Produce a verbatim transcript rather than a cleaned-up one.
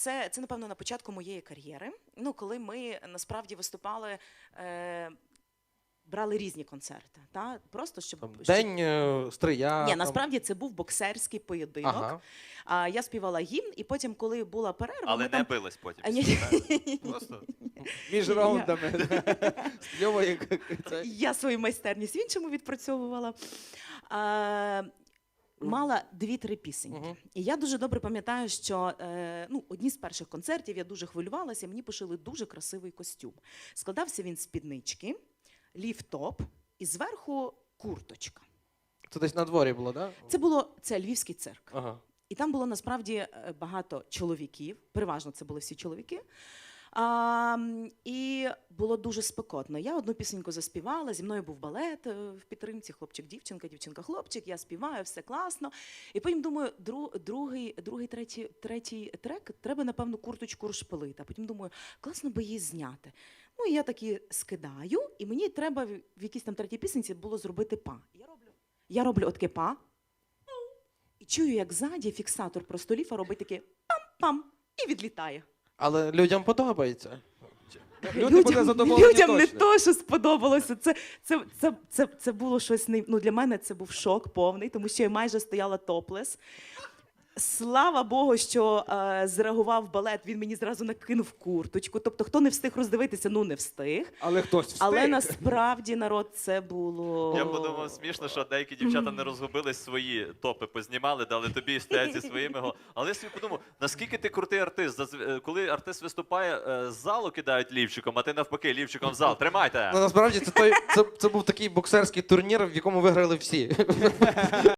Це, це, напевно, на початку моєї кар'єри. Ну, коли ми насправді виступали, е, брали різні концерти. Та? Просто щоб, Там, щоб... День е, стрия. Ні, там. насправді це був боксерський поєдинок. Ага. А, я співала гімн, і потім, коли була перерва... Але ми не там... бились потім. А, ні. Просто Між раундами. Льова, це... Я свою майстерність в іншому відпрацьовувала. А, мала дві-три пісеньки. Мгм. І я дуже добре пам'ятаю, що е, ну, одні з перших концертів я дуже хвилювалася, мені пошили дуже красивий костюм. Складався він з спіднички, ліф-топ і зверху курточка. Це десь на дворі було, так? Да? Це було це львівський цирк. Ага. І там було насправді е, багато чоловіків, переважно це були всі чоловіки. А, і було дуже спекотно. Я одну пісеньку заспівала, зі мною був балет е, в підтримці, хлопчик-дівчинка, дівчинка-хлопчик, я співаю, все класно. І потім думаю, дру, другий, другий третій, третій трек, треба, напевно, курточку розшпилити. А потім думаю, класно би її зняти. Ну, і я таки скидаю, і мені треба в в якійсь там третій пісенці було зробити па. Я роблю, я роблю отаке па, і чую, як ззаді фіксатор просто ліфа робить таке пам-пам і відлітає. Але людям подобається. Люди були Людям, задоволені людям не точно. то, що сподобалося. Це, це, це, це, це було щось не... Ну, для мене це був шок повний, тому що я майже стояла топлес. Слава Богу, що е, зреагував балет, він мені зразу накинув курточку. Тобто, хто не встиг роздивитися, ну не встиг. Але хтось встиг. Але насправді, народ, це було... я подумав, смішно, що деякі дівчата не розгубились, свої топи познімали, дали тобі стоять зі своїми. го- Але я собі подумав, наскільки ти крутий артист. Зазв- е, Коли артист виступає, е, з залу кидають лівчиком, а ти навпаки лівчиком в зал. Тримайте! Ну, насправді це, той, це, це був такий боксерський турнір, в якому виграли всі.